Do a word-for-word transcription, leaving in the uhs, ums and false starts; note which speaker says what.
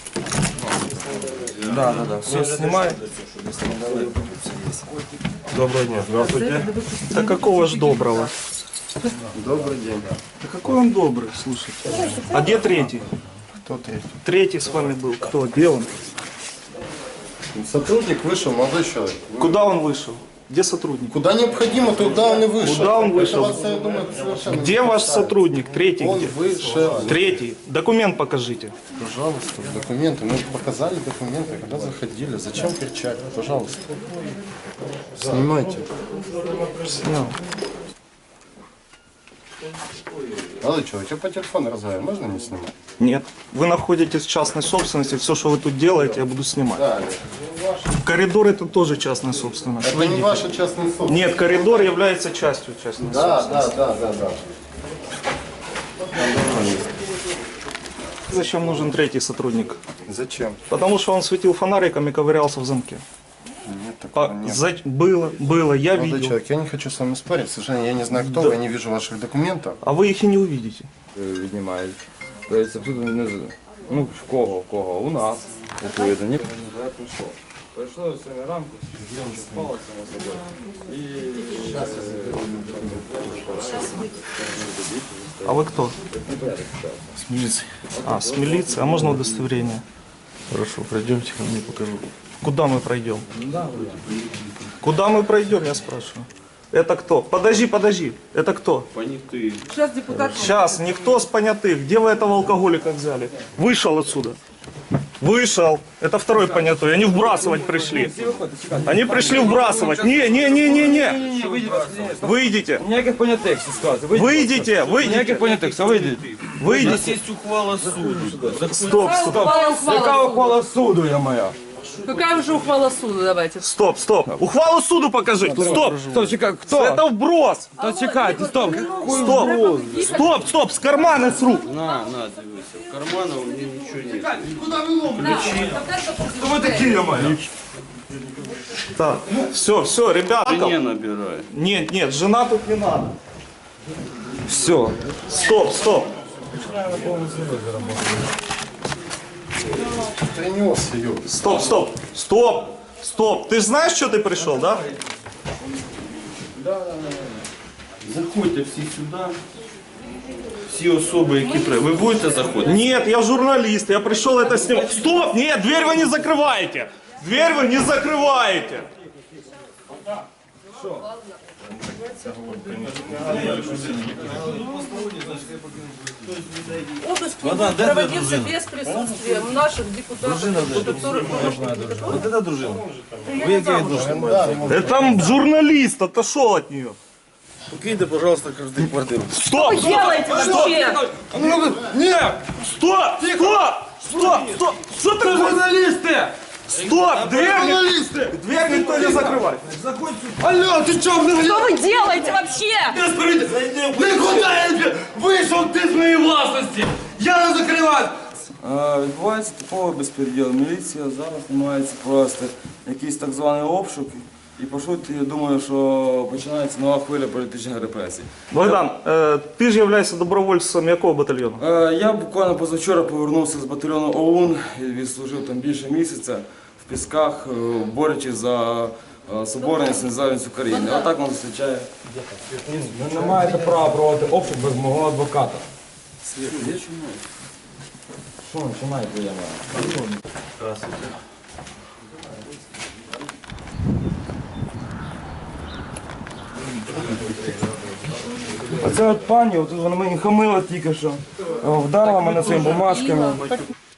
Speaker 1: Да, да, да. Все снимай. Доброго дня. Здравствуйте.
Speaker 2: Да какого ж доброго?
Speaker 1: Добрый день.
Speaker 2: Да какой он добрый, слушайте. А где третий?
Speaker 1: Кто третий?
Speaker 2: Третий с вами был. Кто? Где он?
Speaker 1: Сотрудник вышел, молодой человек.
Speaker 2: Куда он вышел? Где сотрудник?
Speaker 1: Куда необходимо, туда он и вышел.
Speaker 2: Куда он вышел?
Speaker 1: Это вас, я думаю, совершенно
Speaker 2: Где
Speaker 1: не
Speaker 2: ваш
Speaker 1: касается.
Speaker 2: сотрудник? Третий
Speaker 1: Он
Speaker 2: где?
Speaker 1: вышел.
Speaker 2: Третий. Документ покажите.
Speaker 1: Пожалуйста, документы. Мы показали документы, когда заходили. Зачем кричать? Пожалуйста. Снимайте.
Speaker 2: Снял.
Speaker 1: Молодой человек, я по телефону разговариваю. Можно не снимать?
Speaker 2: Нет. Вы находитесь в частной собственности. Все, что вы тут делаете, я буду снимать.
Speaker 1: Да.
Speaker 2: Коридор это тоже частная собственность.
Speaker 1: Это
Speaker 2: Выйдите.
Speaker 1: не ваша частная собственность.
Speaker 2: Нет, коридор является частью частной
Speaker 1: Да,
Speaker 2: собственности.
Speaker 1: да, да, да, да.
Speaker 2: Зачем нужен третий сотрудник?
Speaker 1: Зачем?
Speaker 2: Потому что он светил фонариком и ковырялся в замке.
Speaker 1: Нет, такого
Speaker 2: А,
Speaker 1: нет.
Speaker 2: за- Было, было, я
Speaker 1: Молодой
Speaker 2: видел.
Speaker 1: человек, я не хочу с вами спорить. К сожалению, я не знаю, кто
Speaker 2: Да.
Speaker 1: вы, я не вижу ваших документов.
Speaker 2: А ви їх і не увидите.
Speaker 3: Віднімають. Тобто тут не з- ну, в кого, в кого? У нас. Відповідно. Ні. Я прийшов. Прийшло сьогодні ранку, спалося на собою. І
Speaker 2: А вы кто?
Speaker 1: С милицией.
Speaker 2: А, с милиции. А можно удостоверение?
Speaker 1: Хорошо, пройдемте, ко мне покажу.
Speaker 2: Куда мы пройдем? Куда мы пройдем, я спрашиваю. Это кто? Подожди, подожди. Это кто?
Speaker 4: Сейчас депутат.
Speaker 2: Сейчас, никто с понятых. Где вы этого алкоголика взяли? Вышел отсюда. Вышел. Это второй понятой. Они вбрасывать пришли. Они пришли вбрасывать. Не, не, не, не, не. Выйдите.
Speaker 3: ніяких понятих, все сказати.
Speaker 2: Выйдите, выйдите.
Speaker 3: Ніяких понятих, все вийдіть.
Speaker 2: Выйдите.
Speaker 5: Есть ухвала суду.
Speaker 2: Стоп, стоп.
Speaker 4: Ухвала, ухвала.
Speaker 3: Яка ухвала суду, я моя?
Speaker 4: Какая уже ухвала суда, давайте.
Speaker 2: Стоп, стоп. Ухвалу суду покажи. Стоп.
Speaker 3: Хто, чекай, хто?
Speaker 2: Это вброс.
Speaker 3: Та чекайте, стоп.
Speaker 2: Стоп. Стоп, стоп. С кармана, с рук.
Speaker 5: На, на, дивися. В карманах у меня ничего нет.
Speaker 2: Вы такие, моя. Так, все, все, ребята.
Speaker 5: Не набирай.
Speaker 2: Нет, нет, жена тут не надо.
Speaker 3: Все.
Speaker 2: Стоп, стоп.
Speaker 1: Принес ее.
Speaker 2: Стоп, стоп. Стоп. Стоп. Ты знаешь, что ты пришел, да?
Speaker 5: Заходьте всі сюди. Всі особи, які при... Ви будете заходити?
Speaker 2: Нет, я журналист, я пришел это снимать. Стоп, нет, дверь вы не закрываете. Дверь вы не закрываете.
Speaker 4: Обыск проводился без присутствия наших депутатов. которые-
Speaker 5: Вот это дружина. Ви які відношення?
Speaker 2: Это там журналист отошел от нее.
Speaker 5: Покиньте, пожалуйста, каждую квартиру.
Speaker 2: Стоп, стоп,
Speaker 4: Делайте вообще!
Speaker 2: нет, стоп, стоп, стоп, стоп, что ты журналисты? Стоп, дверь, ни- дверь никто не закрывает.
Speaker 1: Алло, ты что,
Speaker 4: Что вы делаете вообще?
Speaker 1: Никуда я вышел ты с моей властности! Я не закрываю!
Speaker 3: Е, Відбувається типовий безпреділ. Міліція зараз намагається провести якийсь так званий обшук. І по суті, я думаю, що починається нова хвиля політичних репресій.
Speaker 2: Богдан, э, ты же являешься добровольцем якого батальйону?
Speaker 3: Е, Я буквально позавчора повернувся з батальйону ОУН і відслужив там більше місяця в Пісках, е, борючись за е, соборність і незалежність України. Отак нас зустрічає. Ви не маєте права проводити обшук без мого адвоката. Що починаєте, я маю? А це от пані, от вона мені хамила тільки що, е, вдарила мене своїми бумажками.